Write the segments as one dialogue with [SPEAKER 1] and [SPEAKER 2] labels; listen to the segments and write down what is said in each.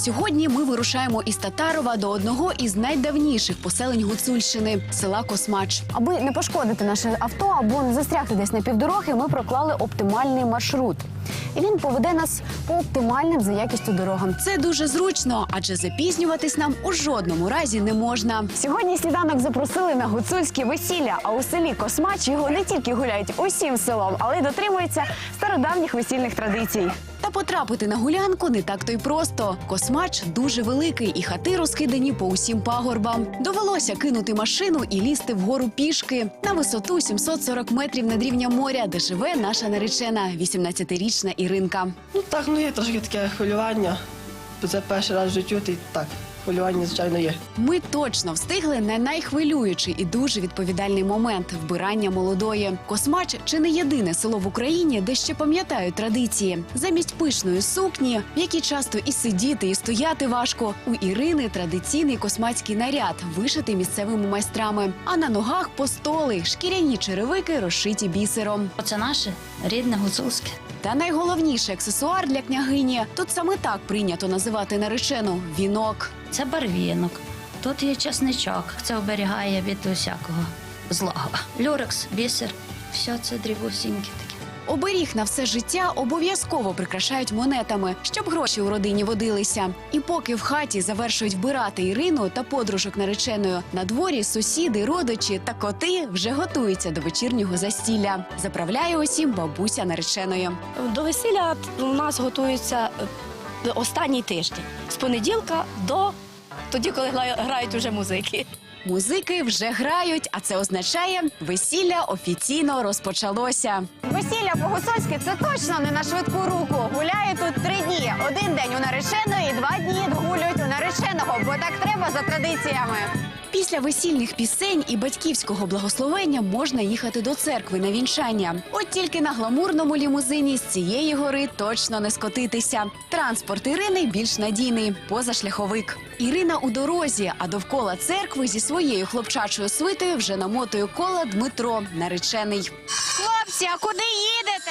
[SPEAKER 1] Сьогодні ми вирушаємо із Татарова до одного із найдавніших поселень Гуцульщини – села Космач. Аби не пошкодити наше авто або не застрягти десь на півдороги, ми проклали оптимальний маршрут. І він поведе нас по оптимальним за якістю дорогам. Це дуже зручно, адже запізнюватись нам у жодному разі не можна. Сьогодні сніданок запросили на гуцульське весілля, а у селі Космач його не тільки гуляють усім селом, але й дотримуються стародавніх весільних традицій. Та потрапити на гулянку не так-то й просто. Космач дуже великий і хати розкидані по усім пагорбам. Довелося кинути машину і лізти вгору пішки на висоту 740 метрів над рівнем моря, де живе наша наречена, 18-річна Іринка.
[SPEAKER 2] Є трошки таке хвилювання. Це перший раз в житті, і так, хвилювання, звичайно, є.
[SPEAKER 1] Ми точно встигли на найхвилюючий і дуже відповідальний момент – вбирання молодої. Космач – чи не єдине село в Україні, де ще пам'ятають традиції. Замість пишної сукні, в якій часто і сидіти, і стояти важко, у Ірини традиційний космацький наряд, вишитий місцевими майстрами. А на ногах постоли, шкіряні черевики, розшиті бісером.
[SPEAKER 3] Це наше рідне гуцульське.
[SPEAKER 1] Та найголовніший аксесуар для княгині – тут саме так прийнято називати наречену – вінок.
[SPEAKER 3] Це барвінок. Тут є чесничок. Це оберігає від усякого злого. Люрекс, бісер. Все це дрібусіньке таке.
[SPEAKER 1] Оберіг на все життя обов'язково прикрашають монетами, щоб гроші у родині водилися. І поки в хаті завершують вбирати Ірину та подружок нареченою, на дворі сусіди, родичі та коти вже готуються до вечірнього застілля. Заправляє усім бабуся нареченої.
[SPEAKER 4] До весілля у нас готується останній тиждень. З понеділка до тоді, коли грають уже музики.
[SPEAKER 1] Музики вже грають, а це означає – весілля офіційно розпочалося. Весілля по-гуцульськи – це точно не на швидку руку. Гуляє тут 3 дні. Один день у нареченої і 2 дні гулюють у нареченого, бо так треба за традиціями. Після весільних пісень і батьківського благословення можна їхати до церкви на вінчання. От тільки на гламурному лімузині з цієї гори точно не скотитися. Транспорт Ірини більш надійний – позашляховик. Ірина у дорозі, а довкола церкви зі своєю хлопчачою свитою вже намотує кола Дмитро, наречений. Хлопці, а куди їдете?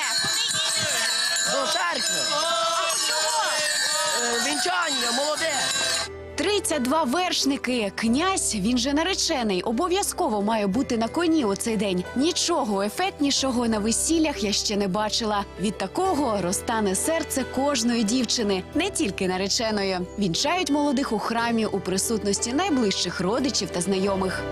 [SPEAKER 2] До церкви. Вінчання, молоде.
[SPEAKER 1] 32 вершники. Князь, він же наречений, обов'язково має бути на коні у цей день. Нічого ефектнішого на весіллях я ще не бачила. Від такого розтане серце кожної дівчини, не тільки нареченої. Вінчають молодих у храмі у присутності найближчих родичів та знайомих.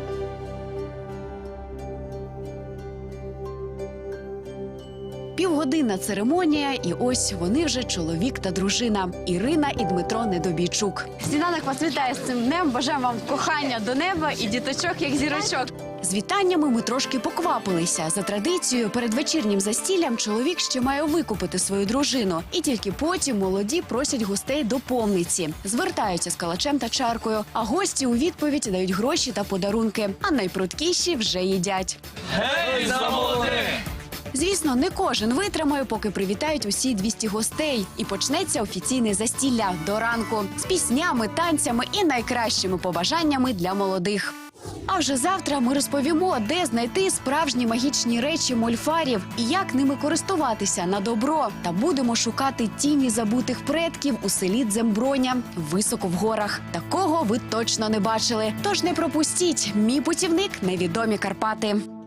[SPEAKER 1] Півгодинна церемонія, і ось вони вже чоловік та дружина – Ірина і Дмитро Недобійчук. Сніданок вас вітає з цим днем, бажаємо вам кохання до неба і діточок, як зірочок. З вітаннями ми трошки поквапилися. За традицією, перед вечірнім застіллям чоловік ще має викупити свою дружину. І тільки потім молоді просять гостей до помниці. Звертаються з калачем та чаркою, а гості у відповідь дають гроші та подарунки. А найпруткіші вже їдять.
[SPEAKER 5] Гей, за молодих!
[SPEAKER 1] Звісно, не кожен витримає, поки привітають усі 200 гостей. І почнеться офіційне застілля до ранку. З піснями, танцями і найкращими побажаннями для молодих. А вже завтра ми розповімо, де знайти справжні магічні речі мольфарів і як ними користуватися на добро. Та будемо шукати тіні забутих предків у селі Дземброня, високо в горах. Такого ви точно не бачили. Тож не пропустіть. Мій путівник – невідомі Карпати.